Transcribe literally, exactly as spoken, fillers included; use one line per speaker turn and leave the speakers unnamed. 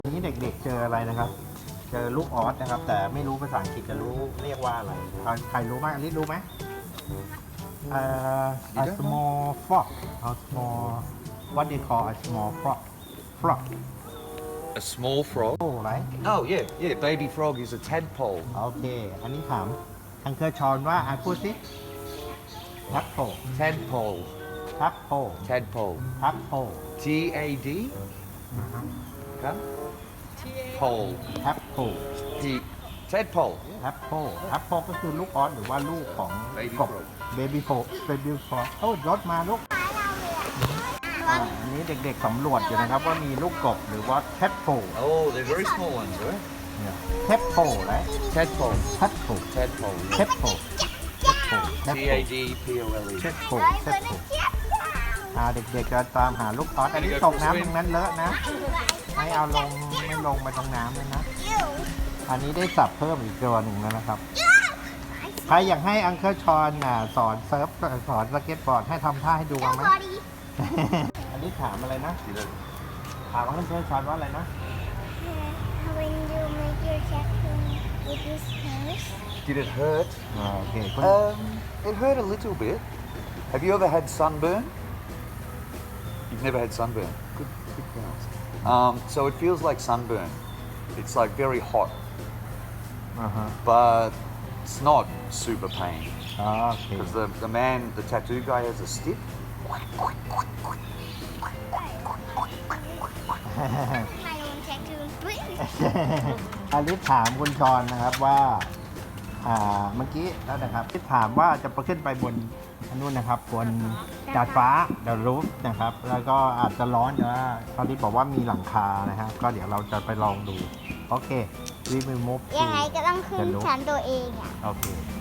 ทีนี้เด็กๆเจออะไรนะครับเจอลูกออสนะครับ แต่ไม่รู้ภาษาอังกฤษจะรู้เรียกว่าอะไรใครรู้ไหมอันนี้รู้ไหมเอ่อ a small frog a small what they call a small frog frog
A small frog?
โอ้ไร
Oh, yeah, yeah. Baby frog is a tadpole.
โอเคอันนี้ถามทางเคอชอนว่าอ่านพูดสิทับโผ
Tadpole.
ทับโผ
Tadpole.
ทับโผ
T A D? Huh? Pole.
ทับโผ
T. Tadpole.
ทับโผทับโผก็คือลูกออสหรือว่าลูกของ
Baby
กบ
frog.
เบบี้โฟเบบี้ฟรอกโอ้รถมาลูกอ่าอันนี้เด็กๆสำรวจอยู่นะครับว่ามีลูกกบหรือว่าแคทโผ
Oh, they're very small ones, right?
เนี่ยแคทโผไร
Tadpole.
แคทโผ
Tadpole.
แคทโผแคทโผแคท
T
โผ
A D P O L E.
แคทโผแคทโผอ่าเด็กๆจะตามหาลูกออสอันนี้ตกน้ำตรงนั้นเลอะนะไม่เอาลงไม่ลงมาตรงน้ำเลยนะ อันนี้ได้สับเพิ่มอีกตัวหนึ่งแล้วนะครับใครอยากให้อังเคิลชอนอ่ะสอนเซิร์ฟสอนสเก็ตบอร์ดให้ทำท่าให้ดูมั้ย อันนี้ถามอะไรนะ ถามอังเคิลชอนว่าอะไรนะ
When you make your tattoo with this hairs,
Did it hurt?
อ่าโอเคคุณ
Um, it hurt a little bit. Have you ever had sunburn? You've never had sunburn. Good, good girls. Um, so it feels like sunburn. It's like very hot,
อ่าฮะ
but it's not super pain
อ๋อโอเค
because the, the man, the tattoo guy, has a stick.
my own tattoo.
อลิสถามคุณชอนนะครับว่า อ่า เมื่อกี้แล้วนะครับที่ถามว่าจะไปขึ้นไปบนอันนู้นนะครับบนดาดฟ้าเดารูฟนะครับ แล้วก็อาจจะร้อนแต่ว่าอลิสบอกว่ามีหลังคานะครับก็เดี๋ยวเราจะไปลองดู โอเค we will move to
ยังไงก็ต้องขึ้น
the roof
ชั้นตัวเองอ่ะ
โอเค